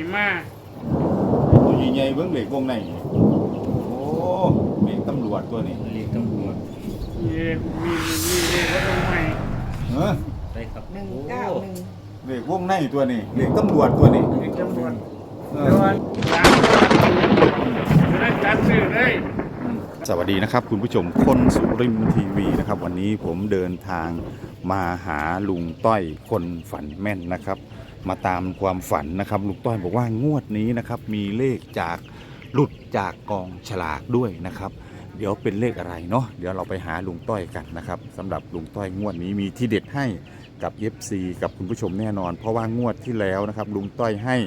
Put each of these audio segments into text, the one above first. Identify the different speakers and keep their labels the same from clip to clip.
Speaker 1: มา
Speaker 2: ตัวใหญ่ๆเบิ่งเหล็กวงในโอ้เหล็กตำรวจตัวนี้
Speaker 3: เรียกตำรวจ
Speaker 1: มีเลขว่าตรงไหน
Speaker 2: เออ
Speaker 3: ได้ครับ
Speaker 4: 191
Speaker 2: เหล็กวงในตัวนี้เหล็กตำรวจตัวนี้
Speaker 1: เลขตำรวจ
Speaker 2: เอ
Speaker 1: แต่
Speaker 2: อ
Speaker 1: ว่าตามได้จัดซื้อเลย
Speaker 2: สวัสดีนะครับคุณผู้ชมคนสุรินทร์ทีวีนะครับวันนี้ผมเดินทางมาหาลุงต้อยคนฝันแม่นนะครับมาตามความฝันนะครับลุงต้อยบอกว่างวดนี้นะครับมีเลขจากหลุดจากกองฉลากด้วยนะครับเดี๋ยวเป็นเลขอะไรเนาะเดี๋ยวเราไปหาลุงต้อยกันนะครับสำหรับลุงต้อยงวดนี้มีที่เด็ดให้กับ FC กับคุณผู้ชมแน่นอนเพราะว่างวดที่แล้วนะครับลุงต้อยให้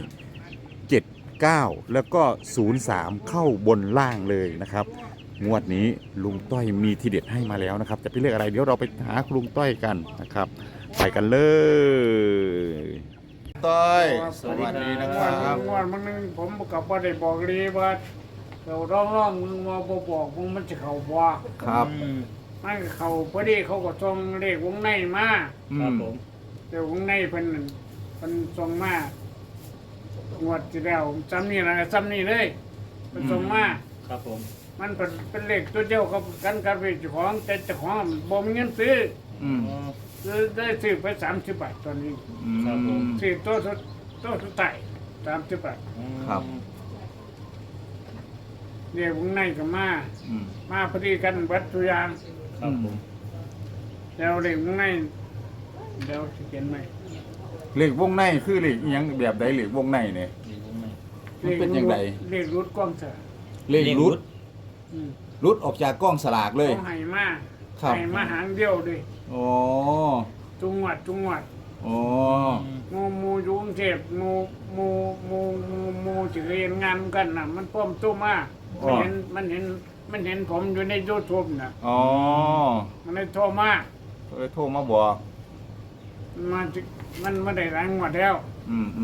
Speaker 2: 79แล้วก็03เข้าบนล่างเลยนะครับงวดนี้ลุงต้อยมีทีเด็ดให้มาแล้วนะครับจะเป็นเลขอะไรเดี๋ยวเราไปหาลุงต้อยกันนะครับไปกันเลยต้อยสวัสดีนะครับ
Speaker 1: งวดมันนึงผมกับว่าได้บอกลีว่าเราร้องมึงมาบอกมึงมันจะเข้าบ่
Speaker 2: ครับ
Speaker 1: มันเข้าพอดีเขาก็ส่งเลขวงในมา
Speaker 3: ครับผม
Speaker 1: เดี๋ยววงในเพิ่นส่งมางวดที่แล้วซ้ำนี่นะซ้ำนี่เลยเพิ่นส่งมา
Speaker 3: ครับผม
Speaker 1: มันเป็นเลขตัวเดียวกันกับเจ้าของแต่เจ้าของบ่มีเงินซื้อ
Speaker 2: อืม
Speaker 1: ซื้อได้ซื้อไป30 บาทตอนนี้
Speaker 3: ครับผม
Speaker 1: ซื้อตัวสุดท้าย30 บาท
Speaker 2: ครับ
Speaker 1: เรียกวงในก็มา
Speaker 2: อืม
Speaker 1: มาพอดีกันวัดตัวอย่าง
Speaker 3: ครับผม
Speaker 1: แล้วเรียกวงในเดี๋ยวสิเขียนไหม
Speaker 2: เหล็กวงในคือเหล็กอิหยังแบบใดเหล็กวงในเนี่ย
Speaker 3: ดีวงใน
Speaker 2: มันเป็นยังไง
Speaker 1: เรียกรุดกล้องเสือ
Speaker 2: เหล็กรุด
Speaker 1: อืม
Speaker 2: รุดออกจากกล้องสลากเลย
Speaker 1: เขาให้มา
Speaker 2: ครับ
Speaker 1: ให้มาหางเดียวดิ
Speaker 2: โอ้
Speaker 1: จุงหวัด
Speaker 2: โอ้
Speaker 1: มูอยู่กรุงเทพมูจะเรียนงานกันน่ะ มันพร้อมตู้มามันเห็นผมอยู่ใน YouTube น่ะ
Speaker 2: อ๋อ
Speaker 1: มันเลยโทรมา
Speaker 2: เลยโทรมาบอก
Speaker 1: มันไม่ได้รางวัลแล้ว
Speaker 2: อืม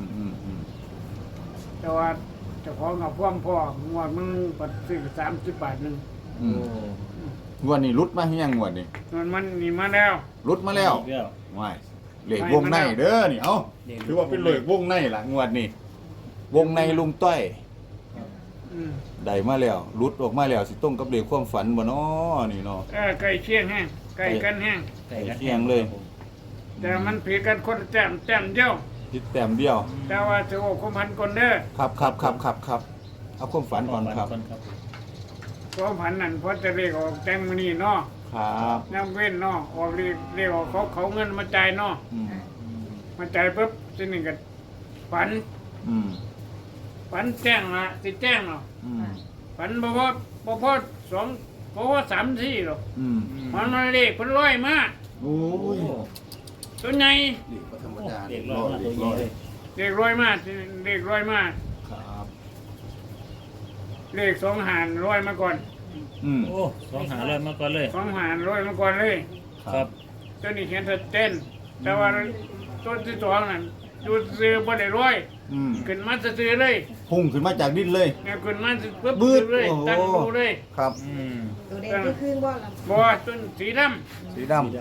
Speaker 1: แต่ว่าเจ้าของกับพ่วงพ่องวดมึงปัดซื้อ30 บาทหนึง
Speaker 2: อืมงวดนี้รุดมาให้ยังงวดนี้
Speaker 1: มันนี่มาแล้ว
Speaker 2: รุดมาแล้ว
Speaker 3: อีกแล้ว
Speaker 2: ไม่เหล็กวงในเด้อนี่เอ้าถือว่าเป็นเหล็กวงในล่ะงวดนี้วงในลุงต้อย
Speaker 1: อืม
Speaker 2: ได้มาแล้วรุดออกมาแล้วสิต้องกับเหล็กความฝันบ่น้อนี่เนาะ
Speaker 1: ใกล้เคียงแห้งใกล้กันแห้ง
Speaker 3: ไก่กัน
Speaker 2: เที่ยงเลย
Speaker 1: แต่มันผีกันคนละแต้มเดียว
Speaker 2: คิดแต้มเดียว
Speaker 1: แต่ว่าจะโอ้คุมพันคนเด้อ
Speaker 2: ครับเอาความฝันก่อนครับ
Speaker 3: ครับ
Speaker 1: ความพันนั่นเพราะจะเรียกออกแตงมณีเนาะ
Speaker 2: ครับ
Speaker 1: น้ำเว้นเนาะออกเรียกออกเขาเงินมาจ่ายเนาะ
Speaker 2: อืม
Speaker 1: มาจ่ายปุ๊บทีนี้ก็ฝัน
Speaker 2: อืม
Speaker 1: ฝันแจ้งละสิแจ้งเนาะ
Speaker 2: อืม
Speaker 1: ฝันบ่พอ3 4หรอก
Speaker 2: อืม
Speaker 1: มันมาเลขเพิ่นร้อยมา
Speaker 2: โอ้ย
Speaker 1: ตัวใหญ่
Speaker 2: เด็กก็ธรรมดา
Speaker 3: เด็กร้อยมาตัวใหญ่เลย
Speaker 1: เลขร้อยมาเลขร้อยมา
Speaker 2: ครับ
Speaker 1: เลขสองหารร้อยมาก่อน
Speaker 2: อืม
Speaker 3: โอ้สองหาเลยมาก่อนเลย
Speaker 1: สองหารร้อยมาก่อนเลย
Speaker 3: ครับ
Speaker 1: ตัวนี้เขียนชัดเจนแต่ว่าตัวที่สองนั่นอยู่ซื้อบ่ได้ร้อย
Speaker 2: อืม
Speaker 1: ขึ้นมาซื้อเลย
Speaker 2: พุ่งขึ้นมาจากดินเลย
Speaker 1: เนี่ยขึ้นมาปุ๊บ
Speaker 2: บืด
Speaker 1: เลย
Speaker 2: โอ้โห
Speaker 1: ตั้งดูเลย
Speaker 2: ครับ
Speaker 3: อืม
Speaker 4: ตัวแดงที่ครึ่งบ่ล่ะ
Speaker 1: บ่ต้นสีด
Speaker 2: สีด
Speaker 4: ดำ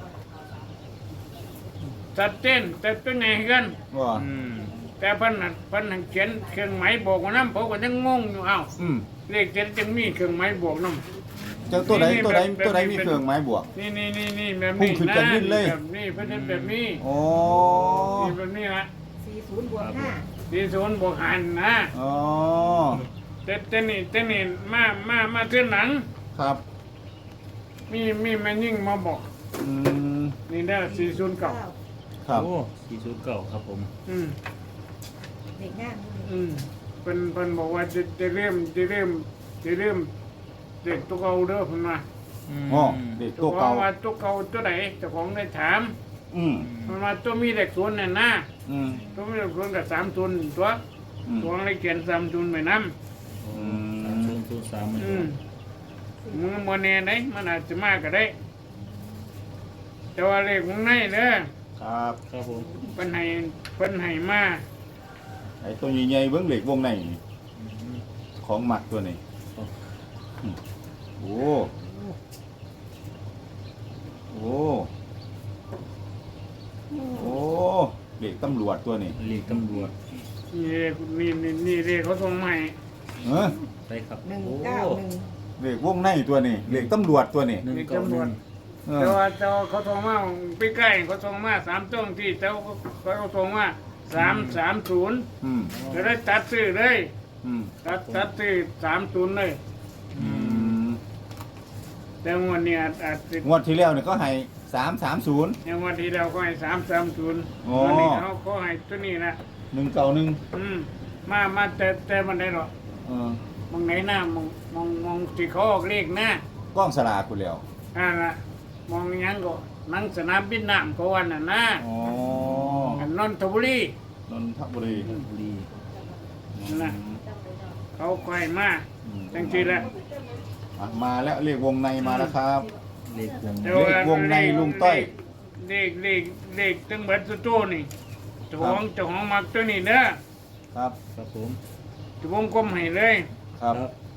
Speaker 1: ำชัดเจนแต่ตัวไหนกัน
Speaker 2: ำว่า
Speaker 3: อืม
Speaker 1: แต่เพิ่นเขียนเครื่องหมายบอกว่านํผมก็ยังงงอยู่เอ้า
Speaker 2: อืม
Speaker 1: เลขเจ็ดจังมีเครื่องหมายบวกนํ
Speaker 2: เจ้าตัวไหนมีเครื่องไม้บวก
Speaker 1: นี่แบบ
Speaker 2: พุ่
Speaker 1: นี้
Speaker 2: งขึ้นจากดินเลย
Speaker 1: แบบนี้เพิ่นเฮ็ดแบบนี้
Speaker 2: โอ้
Speaker 1: นี่แบบนี้ละ
Speaker 4: 40บวก5
Speaker 1: ที่ศูนย์บวกหันนะ
Speaker 2: อ๋อ
Speaker 1: แต่นี่มาเทื่อหนัง
Speaker 2: ครับ
Speaker 1: มีแม่ยิ่งมาบอก
Speaker 2: อืม
Speaker 1: นี่ได้409
Speaker 2: ครับ
Speaker 3: โอ้409ครับผม
Speaker 1: อืม
Speaker 4: เด็กงาม
Speaker 1: เพิ่นบอกว่าจะเริ่มเด็กตัวเก่าเด้อเพิ่นว่า
Speaker 2: อ๋อเด็กตัวเก่า
Speaker 1: ว่าตัวเก่าตัวไหนเจ้าของได้ถาม
Speaker 2: อืม
Speaker 1: เพิ่นว่าตัวมีเลขศูนย์น่ะนะ
Speaker 2: อืม
Speaker 1: ตัวมีเลขศูนย์กับ3ศูนย์ตัว
Speaker 2: อืม
Speaker 1: ตัวเลยเขียน3ศูนย์ไว้นำ
Speaker 3: โอ้3003มัน
Speaker 1: มึงบ่แน่ได้มันอาจจะมาก็ได้ แต่ว่าเลขของในเด้อ
Speaker 2: ครับ
Speaker 3: ครับผม
Speaker 1: เพิ่นให้มา
Speaker 2: ไอ้ตัวใหญ่ๆเบิ้งเหล็กวงในนี่ของหมักตัวนี้อืมโอ้โอ้โอ้เหล็กตำรวจตัวนี้
Speaker 3: เรียกตำรวจ
Speaker 1: นี่เรียกเขาส่งมาให้
Speaker 2: เออ
Speaker 3: ไปครับ
Speaker 4: หนึ่ง
Speaker 3: โอ้
Speaker 4: เก้าหนึ่ง
Speaker 2: เลขวงในตัวนี้เลขตำรวจตัวนี้
Speaker 3: หนึ่งเก้าหนึ่ง
Speaker 2: เอ
Speaker 1: แต่
Speaker 2: อ
Speaker 1: ว่าเขาส่งมาไปใกล้เขาส่งมา3ต้นที่แต่เขาส่งมา330
Speaker 2: อืม
Speaker 1: จะได้ตัดซื้อเลย
Speaker 2: อืม
Speaker 1: ตัดซื้อ30เลย
Speaker 2: อืม
Speaker 1: แต่วันนี้อาจจะ
Speaker 2: งวดที่แล้วเนี่ยก็ให้330
Speaker 1: อย่างวันที่เราก็ให้330
Speaker 2: อ๋อ
Speaker 1: วันนี้เขาก็ให้ตัวนี้นะ
Speaker 2: 191
Speaker 1: มาแต่มันได้หรอก
Speaker 2: เออ
Speaker 1: มองไหนหน้ามองที่เขาออกเลขหน้าก
Speaker 2: ล้องสลากกูแล้ว
Speaker 1: น่ะมองหยังก็หนังสนามบินน้ำเขาวันน่ะนะ
Speaker 2: อ๋อ
Speaker 1: อันนนทบุรี
Speaker 2: นนทบุรี
Speaker 3: บุรี
Speaker 1: นั่นน่ะเขาค่อยมา
Speaker 2: อืม
Speaker 1: จังซี่แหละ
Speaker 2: อ่ะมาแล้วเลขวงในมาแล้วครับ
Speaker 3: เลขวง
Speaker 1: แต่
Speaker 2: เลขวงในลุงต้อย
Speaker 1: เลขตั้งเบิดสุดโตนี่เจ้าของมักตัวนี้เด้อ
Speaker 2: ครับ
Speaker 3: ครับผม
Speaker 1: จะวงกลมให้เลย
Speaker 2: ครับ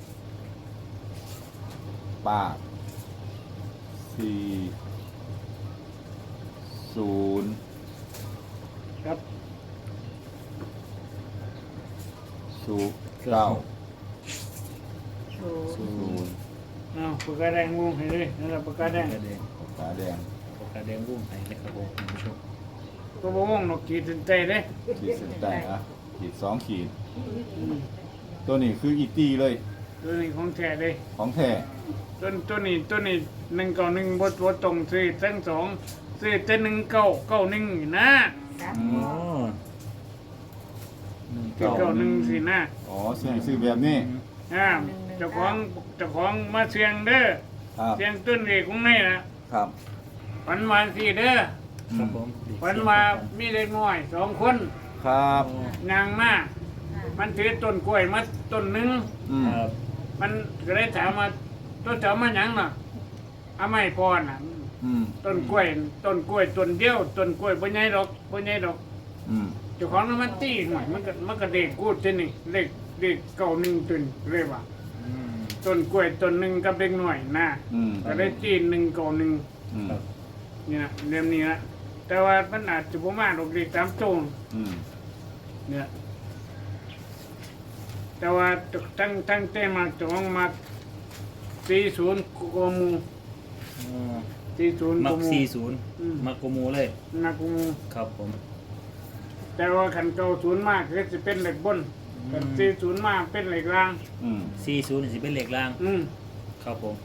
Speaker 2: ป้า4 0
Speaker 1: ครับ
Speaker 2: 9
Speaker 4: ศูนย์
Speaker 2: 0
Speaker 1: เอาปากกาแดงวงให้เลยนั่นแหละปากกาแดง
Speaker 3: ปากกาแดง
Speaker 2: ตาแดง
Speaker 3: ปากกาแดงรุ่งไหนนะครับผมคุณผู้ชม
Speaker 1: ก็บ่วงนกขีดเส้นใต้เด้
Speaker 2: ขีดเส้นใต้อะขีด2 ขีด ตัวนี้คืออีตี้เลย
Speaker 1: ตัวนี้ของแท้เลย
Speaker 2: ของแท้
Speaker 1: ตัวนี้191บ่ตรงซื้อทั้งสองซื้อแต่1991นี่นะ
Speaker 4: ครับ
Speaker 2: อื
Speaker 3: อ๋อ
Speaker 1: 91สินะ
Speaker 2: อ๋อเสียงซื้อแบบนี้
Speaker 1: เจ้าของมาเสียงเด้อ
Speaker 2: ครับ
Speaker 1: เสียงต้นเอกของในนะครับ ฝันมาสิเด้อ
Speaker 3: ครับผม
Speaker 1: ฝันว่ามีเด็กน้อย2คน
Speaker 2: ครับ
Speaker 1: นางมามันถือต้นกล้วยมาต้นหนึง
Speaker 2: อืม
Speaker 3: ครับ
Speaker 1: มันก็เลยถามว่าต้นเจ้ามาหยังน่ะเอาไม่พอน่ะ
Speaker 2: อืม
Speaker 1: ต้นกล้วยต้นเดียวต้นกล้วยบ่ใหญ่ดอก
Speaker 2: อืม
Speaker 1: เจ้าของนั้นมันตีหน่อยมันก็เด็กกูดที่นี่เด็กเก่าหนึ่งต้นเลยว่า
Speaker 3: อืม
Speaker 1: ต้นกล้วยต้นหนึ่งกับเด็กหน่อยนะ
Speaker 2: อืม
Speaker 1: ก็ได้ตี1 9 1
Speaker 2: อืม
Speaker 3: ครับ
Speaker 1: นี่นะเรื่องนี้นะแต่ว่ามันอาจจะบ่มาดอกเด็กตามโจง
Speaker 2: อืม
Speaker 1: เนี่ยแต่ว่าตั้งแต่มาจองมา40กว่าหมู่
Speaker 3: อ๋อ
Speaker 1: 40
Speaker 3: มั
Speaker 1: ก
Speaker 3: ก
Speaker 1: ว่าหมู่
Speaker 3: 40
Speaker 1: อืม
Speaker 3: มักโกโมเลย
Speaker 1: นักกว่าหมู่
Speaker 3: ครับผม
Speaker 1: แต่ว่าคัน90มากก็สิเป็นเหล็กบนคัน40มากเป็นเหล็กล่าง
Speaker 2: อืม
Speaker 3: 40นี่สิเป็นเลขล่าง
Speaker 1: อืม
Speaker 3: ครับผม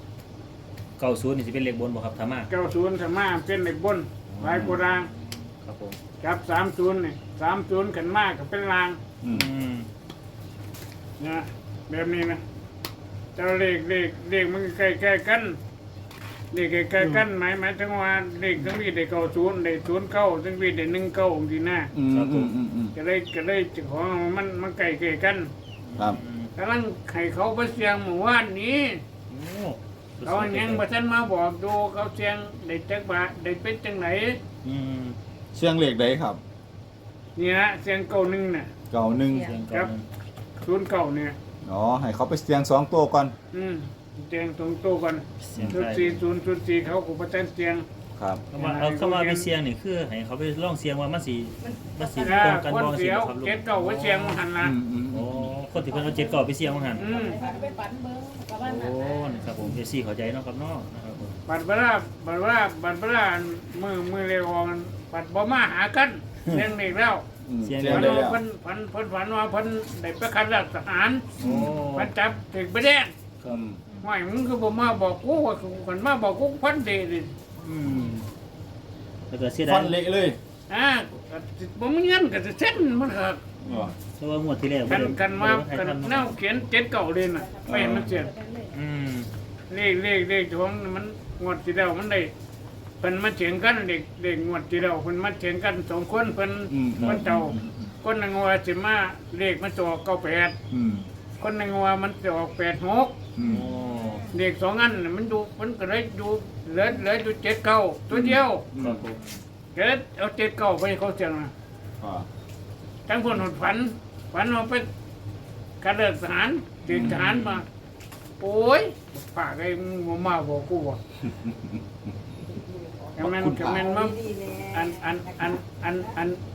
Speaker 3: 90นี่สิเป็นเลขบนบ่ครับธรรมะ
Speaker 1: 90ถ้ามาเป็นเหล็กบนหลายกว่าล่าง
Speaker 3: ครับผม
Speaker 1: กับ30นี่30ขันมากก็เป็นล่าง
Speaker 2: อืม
Speaker 3: อืม
Speaker 1: นะแบบนี้นะเจ้าเลขมันใกล้ๆกันเลขใกล้ๆกันหมายถึงว่าเลขทั้งนี้ได้90ได้09ทั้งนี้ได้19องค์ที่หน้า
Speaker 2: อืมอืมอืมอืม
Speaker 1: ก็เลยเจ้าของมันใกล้ๆกัน
Speaker 2: ครับ
Speaker 3: อืม
Speaker 1: กำลังให้เขาไปเสียงเมื่อวานนี้
Speaker 3: โอ้
Speaker 1: เขายังบ่ทันมาบอกดูเขาเสียงได้จักบาทได้เป็นจังไหน
Speaker 3: อืม
Speaker 2: เชียงเลขใดครับ
Speaker 1: นี่นะเสียง91น่ะ
Speaker 2: เก่าหนึ่ง
Speaker 3: เสียง
Speaker 1: ครั
Speaker 3: เก่า
Speaker 1: บ 09เนี่ย
Speaker 2: อ๋อให้เขาไปเสียง2 ตัวก่อน
Speaker 1: เสียงตรงโตกัน
Speaker 3: เสียง
Speaker 1: ชุด
Speaker 3: ไทย
Speaker 1: 40 04เขาก็บ่ทันเสียง
Speaker 2: ครับ
Speaker 3: เข้ามาไปเสียงนี่คือให้เขาไปลองเสียงว่ามันสิต
Speaker 1: ถ้า
Speaker 3: รงกัน
Speaker 1: คน
Speaker 3: บ่สิ
Speaker 1: เสียว
Speaker 3: ครับลูก
Speaker 1: เก็ดเก่าไว้เสียงมันหันละ
Speaker 2: อืมอืม
Speaker 3: โอ้คนที่เพิ่นเอา7 9ไปเสียงว่าหั่น
Speaker 1: อืม
Speaker 4: ไปฝันเบิ้งประมาณ
Speaker 3: โอ้
Speaker 4: นั้น
Speaker 3: นี่ครับผมเอซี่เข้าใจเนาะครับเนาะนะครับผม
Speaker 1: บัดเวลามือเร็วออกบัดบ่มาหากันเสียงเด็กแล้ว
Speaker 2: อืม
Speaker 3: เสียง
Speaker 2: เสียง
Speaker 1: ฝัน
Speaker 2: ได้
Speaker 1: ว่า
Speaker 2: แล้ว
Speaker 1: เพิ่นฝันว่าเพิ่นได้ไปคัดราชทหาร
Speaker 3: โอ้
Speaker 1: เพิ่นจับถึงไปแดง
Speaker 2: อืม
Speaker 1: ห้อยมึงคือบ่มาบอกกูว่าคนมาบอกกูพันเดดิ
Speaker 3: อืมแล้วก็เสียดา
Speaker 2: ฟั
Speaker 3: ย
Speaker 2: นเละเลย
Speaker 1: บ่มีเงินก็จะเซ็นมันครับ
Speaker 2: อ๋อ
Speaker 3: เพราะว่างวดที่แล้ว
Speaker 1: กันมากันแนวเขียน7เก่าเลยน่ะไม่เห็นมันเสีย
Speaker 3: อืม
Speaker 1: เลขของมันงวดที่แล้วมันได้เพิ่นมาเถียงกันเด็กงวดที่แล้วเพิ่นมาเถียงกัน2คนเพิ่น
Speaker 2: อืม
Speaker 1: เพิ่นเจ้าคนหนึงว่าสิมาเลขมันจะออก98
Speaker 2: อืม
Speaker 1: คนหนึงว่ามันจะออก86
Speaker 2: อืม
Speaker 3: โอ้
Speaker 1: เด็ก2อันน่ะมันดูมันก็เลยดูเหลืออยู่7เก่าตัวเดียว
Speaker 3: ครับผม
Speaker 1: เกิดเอา7เก่าไปให้เขาเสียงน่ะ
Speaker 2: อ่า
Speaker 1: ทั้งคนฝันว่าไปการเดินทหารถึงทหารมา โอ้ยปากไอ้มึงบ่มาบอกกูว่ะกำแมนมา
Speaker 4: ดีๆแน่
Speaker 1: อัน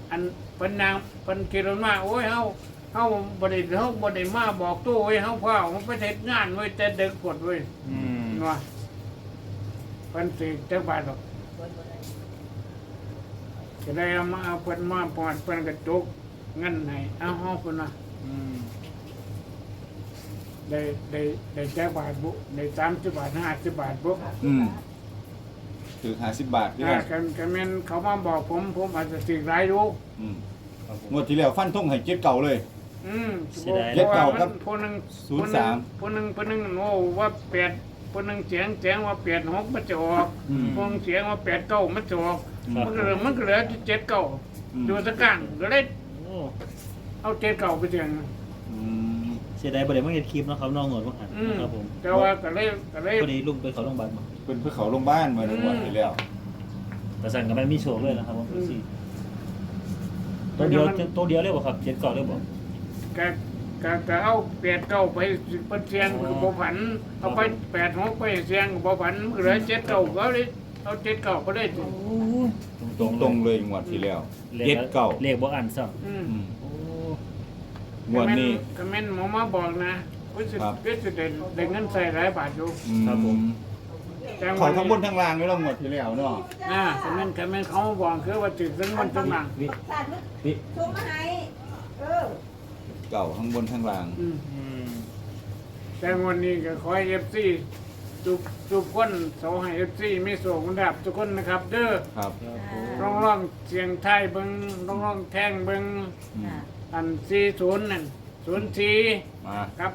Speaker 1: อันเพิ่นนางเพิ่นคิดว่าโอ้ยเฮาบ่ได้มาบอกตู้เว้ยเฮาพ่อมันไปเฮ็ดงานเว้ยแต่ดึกกดเว้ย
Speaker 3: อืม
Speaker 1: ว่าเพิ่นสิจักบาทหรอกก็ได้เอามาเอาเพิ่นมาปอดเพิ่นก็จุกเงินให้เอาเฮาเพิ่นว่า
Speaker 3: อืม
Speaker 1: ได้จักบาทบุได้30 บาท50 บาทบุ
Speaker 2: ถือ50 บาทพี่
Speaker 1: กันแม่นเขามาบอกผมอาจจะสิหลายอยู่
Speaker 3: ครับผม
Speaker 2: งวดที่แล้วฟันธงให้เจ็ดเก่าเลย
Speaker 3: เสียดาย
Speaker 2: เจ็ดเก้าครับ
Speaker 1: ผู้หนึง
Speaker 2: 03
Speaker 1: ผู้หนึงโอ้ว่า8ผู้หนึงเสียงว่า86มันจะออก พวงเสียงว่า89มันจะออก
Speaker 3: ครับ
Speaker 1: มันก็เหลือ79อยู่ตะกลางก็เลย
Speaker 3: โอ้
Speaker 1: เอา79ไปเสียง
Speaker 3: เสียดายบ่ได้มาเฮ็ดคลิปเนาะครับน้องหนวดว่าหันครับผม
Speaker 1: แต่ว่าก็เลย
Speaker 3: พอดีลุงไปเขาโรงพยาบาลมา
Speaker 2: เป็นเพื่อเขาลงบ้านมาในงวดที่แล้ว
Speaker 3: แต่สั่นก็ไม่มีโชคเลยนะครับผมสิตัวเดียวเลยบ่ครับ7 ก่อนเลยบ่
Speaker 1: ก็เอา89ไปเป็นเสียงก็บ่ผันเอาไป86ไปเสียงก็บ่ผันมันก็เหลือ79ก็เลยเอา79ก็ได้
Speaker 3: โอ้
Speaker 2: ตรงเลยงวดที่แล้วเจ็ดเก่า
Speaker 3: เลขบ่อ่านซ้ำ โอ้
Speaker 2: งวดนี้
Speaker 1: ก็แม่นหมอมาบอกนะวิสิได้เงินใส่หลายบาทอยู่
Speaker 3: ครับผม
Speaker 1: แต่วั
Speaker 2: เขาทั้งบนทั้งล่างไม่ต้องงวดที่แล้วเนาะ
Speaker 1: ก็แม่นเขามาบอกคือว่าติดทั้งวันทั้งหลัง
Speaker 3: วิ
Speaker 4: สัตว์
Speaker 3: วิ
Speaker 4: ชมมาให้
Speaker 2: เก่าทั้งบนทั้งล่าง
Speaker 1: อืม
Speaker 3: อืม
Speaker 1: แต่วันนี้ก็ขอให้ FC ทุกคนเสาให้ FC มีโชคดับทุกคนนะครับ เด้อ
Speaker 2: ครับ
Speaker 3: ครับผม
Speaker 1: ร้องเสียงไทยเบิ่งร้องแท่งเบิ่งอัน40นั่น04
Speaker 2: มา
Speaker 1: กับ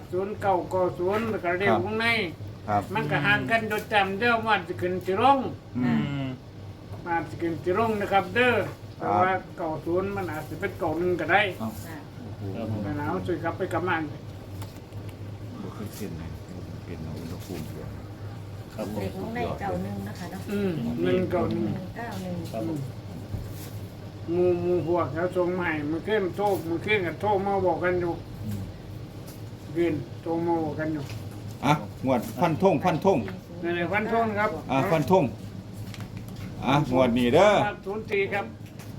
Speaker 1: 0990แล้วก็เรียกวงใน
Speaker 2: ครับ
Speaker 1: มันก็ห่างกันโดยจำเด้อว่าสิขึ้นสิลง
Speaker 3: อืม
Speaker 1: มาสิขึ้นสิลงนะครับ เด้อเพราะว่า90มันอาจจะเป็น91ก็ได้
Speaker 2: เอา
Speaker 3: ครับผม
Speaker 1: แต่หนาวช่วยครับไปกลับมา
Speaker 2: ดูเครื่องเส้นเลยเป็นอุณหภูมิด้วย
Speaker 3: ครับผม
Speaker 4: เด็กของในเก่าหนึ่งนะคะเนาะ
Speaker 1: 191
Speaker 4: 191
Speaker 3: ครับผม
Speaker 1: หมู่พวกเขาส่งมาให้มันขึ้นโทรกันโทรมาบอกกันอยู่ขึ้นโทรมาบอกกันอยู่
Speaker 2: อ่ะงวดฟันธง
Speaker 1: นั่นแหละวันทงครับ
Speaker 2: ฟันธงงวดนี้เด้อ
Speaker 1: 04ครับ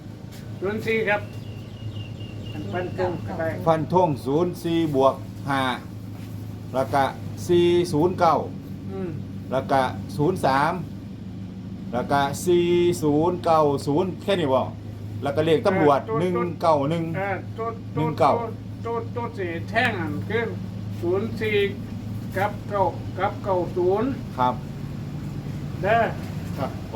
Speaker 1: 04ครับวันทงก็ได้
Speaker 2: ฟันธง04บวก5แล้วก็409
Speaker 1: อืม
Speaker 2: แล้วก็03แล้วก็4090แค่นี้บ่แล้วก็เลขตำรวจ191
Speaker 1: ตัวสีแท่งอันขึ้น04กับ90
Speaker 2: ครับ
Speaker 1: เด้อ
Speaker 2: ครับผม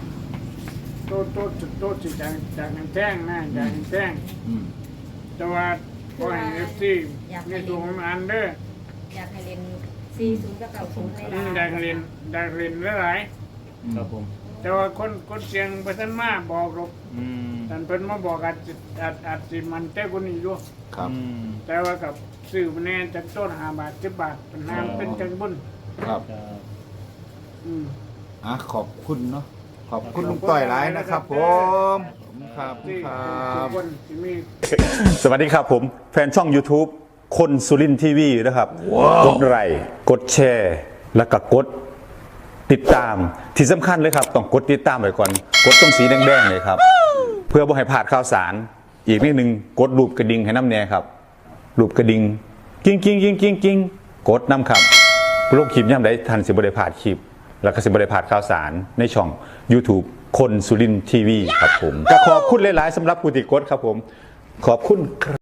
Speaker 1: ตัวสีจากแท่งนะจากแท่ง
Speaker 2: อืม
Speaker 1: แต่ว่าขอให้ FC ในตัวของอันเด้อ
Speaker 4: อยากให้เรียน40กับ90ในร้าน
Speaker 1: ได้เรียนหลาย
Speaker 3: ครับผม
Speaker 1: ๆแต่ว่าคนเสียงไปท่านมาบอกหรอก
Speaker 3: อืม
Speaker 1: ท่านเพิ่นมาบอกอาจสิมันแต่คนนี้อยู่
Speaker 2: ครับ
Speaker 3: อืม
Speaker 1: แต่ว่ากับซื้อมาแน่จากต้น5 บาท10 บาทเป็นน้ำเป็นจังบุญ
Speaker 2: ครับ
Speaker 3: ครับ
Speaker 1: อืม
Speaker 2: ขอบคุณเนาะขอบคุณลุงต้อยหลายนะครับผมครับ
Speaker 1: ที่
Speaker 2: ครั
Speaker 1: ทุก
Speaker 2: บ
Speaker 1: คนที่มี
Speaker 5: สวัสดีครับผม แฟนช่อง YouTube คนสุรินทีวีนะครับ กดไลค์กดแชร์ แล้วก็กดติดตามที่สำคัญเลยครับ ต้องกดติดตามไว้ก่อน กดตรงสีแดงๆเลยครับ เพื่อบ่ให้พลาดข่าวสาร อีกนิดนึงกดรูปกระดิ่งให้น้ำแน่ครับ รูปกระดิ่งกิ้งกดน้ำครับโลกคลิปย่ำได้ทันสิบได้พลาดคลิป แล้วก็สิบได้พลาดข่าวสารในช่อง YouTube คนสุรินทีวีครับผมก็ขอบคุณหลายๆสำหรับผู้ติดกดครับผม ขอบคุณครับ